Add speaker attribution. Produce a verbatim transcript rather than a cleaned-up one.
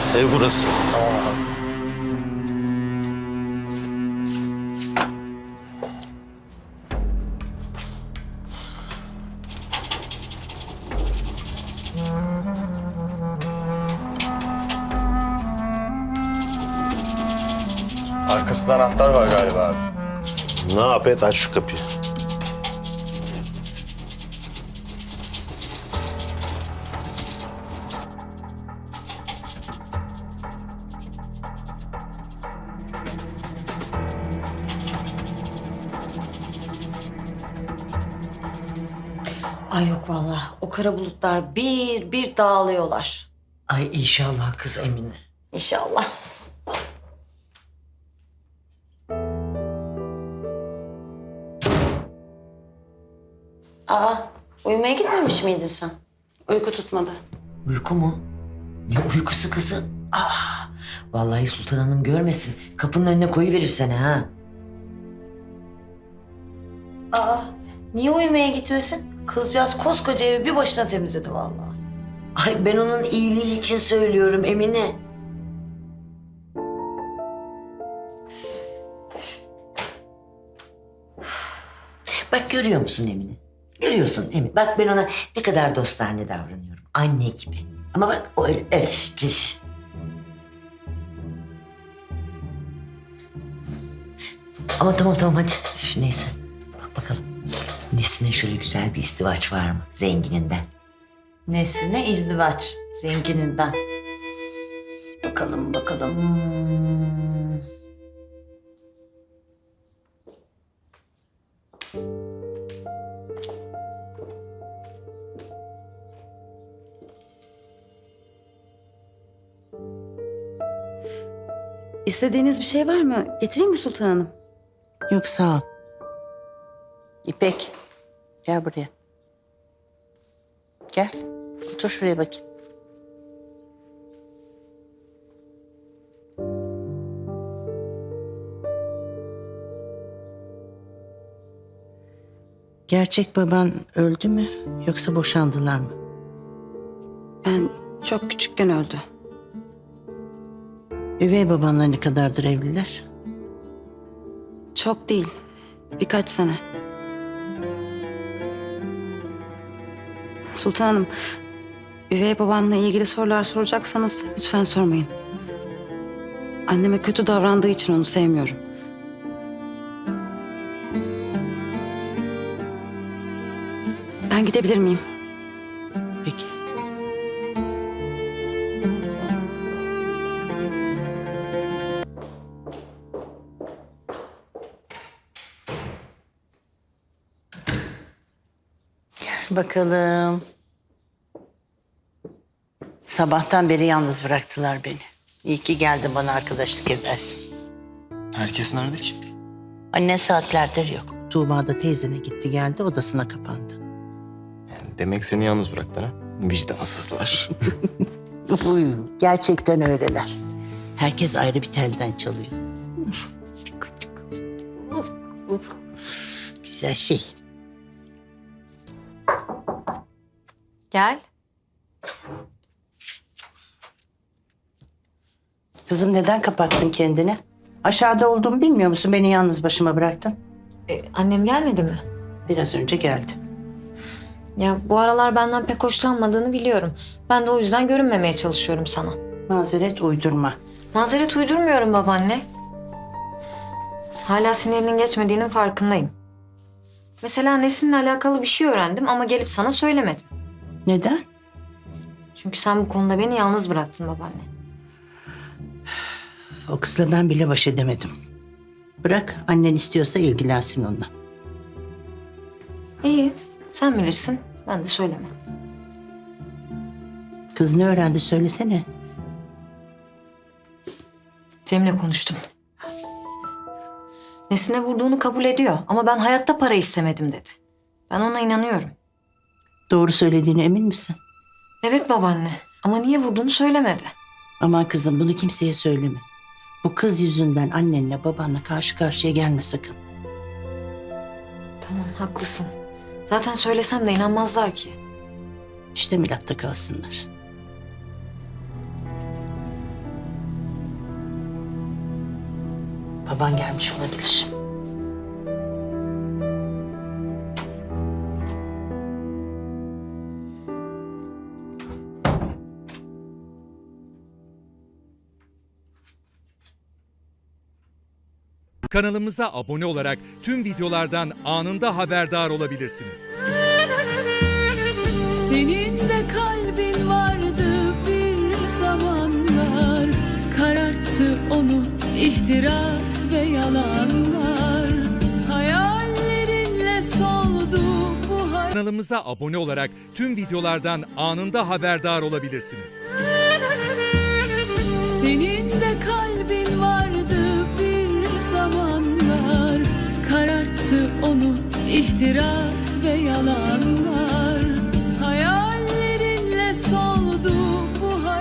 Speaker 1: Ev burası.
Speaker 2: Arkasında anahtar var galiba abi.
Speaker 1: Ne yap et, aç şu kapıyı.
Speaker 3: Ay yok vallahi. O kara bulutlar bir bir dağılıyorlar.
Speaker 4: Ay inşallah kız Emine.
Speaker 3: İnşallah. Aa, uyumaya gitmemiş miydin sen? Uyku tutmadı.
Speaker 4: Uyku mu? Ne uykusu kızım? Aa, vallahi Sultan Hanım görmesin. Kapının önüne koyuverir seni ha.
Speaker 3: Aa, niye uyumaya gitmesin? Kızcağız koskoca evi bir başına temizledi vallahi.
Speaker 4: Ay ben onun iyiliği için söylüyorum Emine. Bak görüyor musun Emine? Görüyorsun Emine. Bak ben ona ne kadar dostane davranıyorum. Anne gibi. Ama bak o öyle öf püf. Ama tamam tamam hadi. Üf, neyse. Bak bakalım. Nesine şöyle güzel bir izdivaç var mı? Zengininden.
Speaker 3: Nesrine izdivaç zengininden. Bakalım bakalım. Hmm.
Speaker 5: İstediğiniz bir şey var mı? Getireyim mi Sultan Hanım?
Speaker 6: Yok sağ ol. İpek gel buraya. Gel. Otur şuraya bakayım. Gerçek baban öldü mü yoksa boşandılar mı?
Speaker 5: Ben çok küçükken öldü.
Speaker 6: Üvey babanla ne kadardır evliler?
Speaker 5: Çok değil. Birkaç sene. Sultan Hanım, üvey babamla ilgili sorular soracaksanız lütfen sormayın. Anneme kötü davrandığı için onu sevmiyorum. Ben gidebilir miyim?
Speaker 6: Peki. Gel bakalım. Sabahtan beri yalnız bıraktılar beni. İyi ki geldin bana arkadaşlık edersin.
Speaker 2: Herkes nerede ki?
Speaker 6: Anne saatlerdir yok. Tuğba da teyzene gitti geldi odasına kapandı.
Speaker 2: Yani demek seni yalnız bıraktılar ha? Vicdansızlar.
Speaker 6: Uy, gerçekten öyleler. Herkes ayrı bir telden çalıyor. Güzel şey.
Speaker 3: Gel.
Speaker 6: Kızım neden kapattın kendini? Aşağıda olduğumu bilmiyor musun? Beni yalnız başıma bıraktın.
Speaker 3: E, annem gelmedi mi?
Speaker 6: Biraz önce geldi.
Speaker 3: Ya bu aralar benden pek hoşlanmadığını biliyorum. Ben de o yüzden görünmemeye çalışıyorum sana.
Speaker 6: Mazeret uydurma.
Speaker 3: Mazeret uydurmuyorum babaanne. Hala sinirinin geçmediğinin farkındayım. Mesela Nesrin'le alakalı bir şey öğrendim ama gelip sana söylemedim.
Speaker 6: Neden?
Speaker 3: Çünkü sen bu konuda beni yalnız bıraktın babaanne.
Speaker 6: O kızla ben bile baş edemedim. Bırak annen istiyorsa ilgilensin onunla.
Speaker 3: İyi, sen bilirsin. Ben de söylemem.
Speaker 6: Kız ne öğrendi söylesene.
Speaker 3: Cem'le konuştum. Nesine vurduğunu kabul ediyor ama ben hayatta para istemedim dedi. Ben ona inanıyorum.
Speaker 6: Doğru söylediğine emin misin?
Speaker 3: Evet babaanne ama niye vurduğunu söylemedi.
Speaker 6: Aman kızım bunu kimseye söyleme. Bu kız yüzünden annenle babanla karşı karşıya gelme sakın.
Speaker 3: Tamam haklısın. Zaten söylesem de inanmazlar ki.
Speaker 6: İşte milatta kalsınlar. Baban gelmiş olabilir.
Speaker 7: Kanalımıza abone olarak tüm videolardan anında haberdar olabilirsiniz.
Speaker 8: Senin de kalbin vardı bir zamanlar, kararttı onu ihtiras ve yalanlar. Hayallerinle soldu bu hayat.
Speaker 7: Kanalımıza abone olarak tüm videolardan anında haberdar olabilirsiniz.
Speaker 8: Senin de kalbin vardı bir zamanlar, kararttı onu ihtiras ve yalanlar.